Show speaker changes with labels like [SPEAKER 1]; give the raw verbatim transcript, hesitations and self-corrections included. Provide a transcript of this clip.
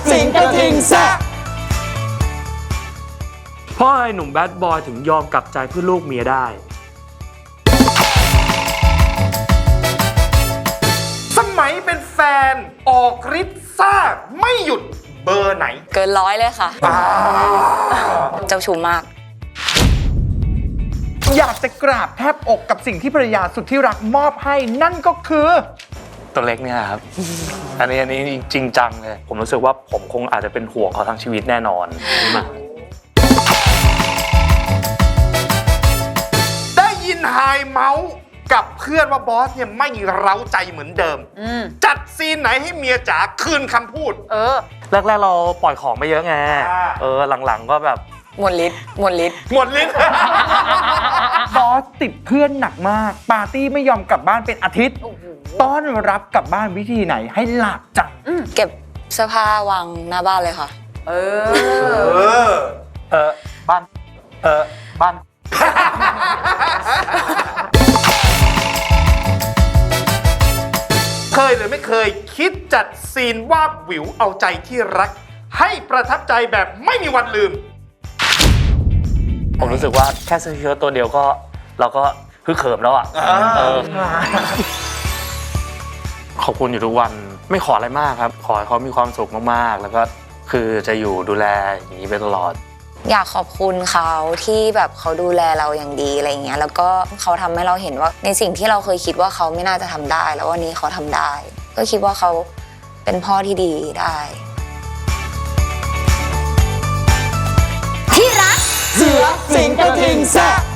[SPEAKER 1] สิงกระทิงแซะ
[SPEAKER 2] เพราะไอ้หนุ่มแบดบอยถึงยอมกลับใจเพื่อลูกเมียได้
[SPEAKER 3] สมัยเป็นแฟนออกฤทธิ์ซ่าไม่หยุดเบอร์ไหน
[SPEAKER 4] เกินร้อยเลยค่ะเจ้าชู้มาก
[SPEAKER 1] อยากจะกราบแทบอกกับสิ่งที่ภรรยาสุดที่รักมอบให้นั่นก็คือ
[SPEAKER 2] ตัวเล็กเนี่ยครับ อันนี้อันนี้จริงจังเลยผมรู้สึกว่าผมคงอาจจะเป็นห่วงเขาทั้งชีวิตแน่นอนมา
[SPEAKER 3] ได้ยินไฮเมาส์กับเพื่อนว่าบอสเนี่ยไม่เร้าใจเหมือนเดิมจัดซีนไหนให้เมียจ๋าคืนคำพูด
[SPEAKER 4] เออ
[SPEAKER 2] แรกๆเราปล่อยของไปเยอะไงเออหลังๆก็แบบ
[SPEAKER 4] หมดฤทธิ์หมดฤทธิ์
[SPEAKER 3] หมดฤทธิ์
[SPEAKER 1] บอสติดเพื่อนหนักมากปาร์ตี้ไม่ยอมกลับบ้านเป็นอาทิตย์ต้อนรับกลับบ้านวิธีไหนให้หลาบจัง
[SPEAKER 4] เก็บเสื้อผ้าวางหน้าบ้านเลยค่ะเออ
[SPEAKER 3] เออ
[SPEAKER 2] เออบ้านเออบ้าน
[SPEAKER 3] เคยหรือไม่เคยคิดจัดซีนวาบหวิวเอาใจที่รักให้ประทับใจแบบไม่มีวันลืม
[SPEAKER 2] ผมรู้สึกว่าแค่เสื้อเชิ้ตตัวเดียวก็เราก็ฮึกเหิมแล้วอ่ะขอบคุณอยู่ทุกวันไม่ขออะไรมากครับขอให้เขามีความสุขมากๆแล้วก็คือจะอยู่ดูแลอย่างนี้ไปตลอด
[SPEAKER 4] อยากขอบคุณเขาที่แบบเขาดูแลเราอย่างดีอะไรเงี้ยแล้วก็เขาทำให้เราเห็นว่าในสิ่งที่เราเคยคิดว่าเขาไม่น่าจะทำได้แล้ววันนี้เขาทำได้ก็คิดว่าเขาเป็นพ่อที่ดีได้
[SPEAKER 1] ที่รักเสือสิงกระทิงแซะ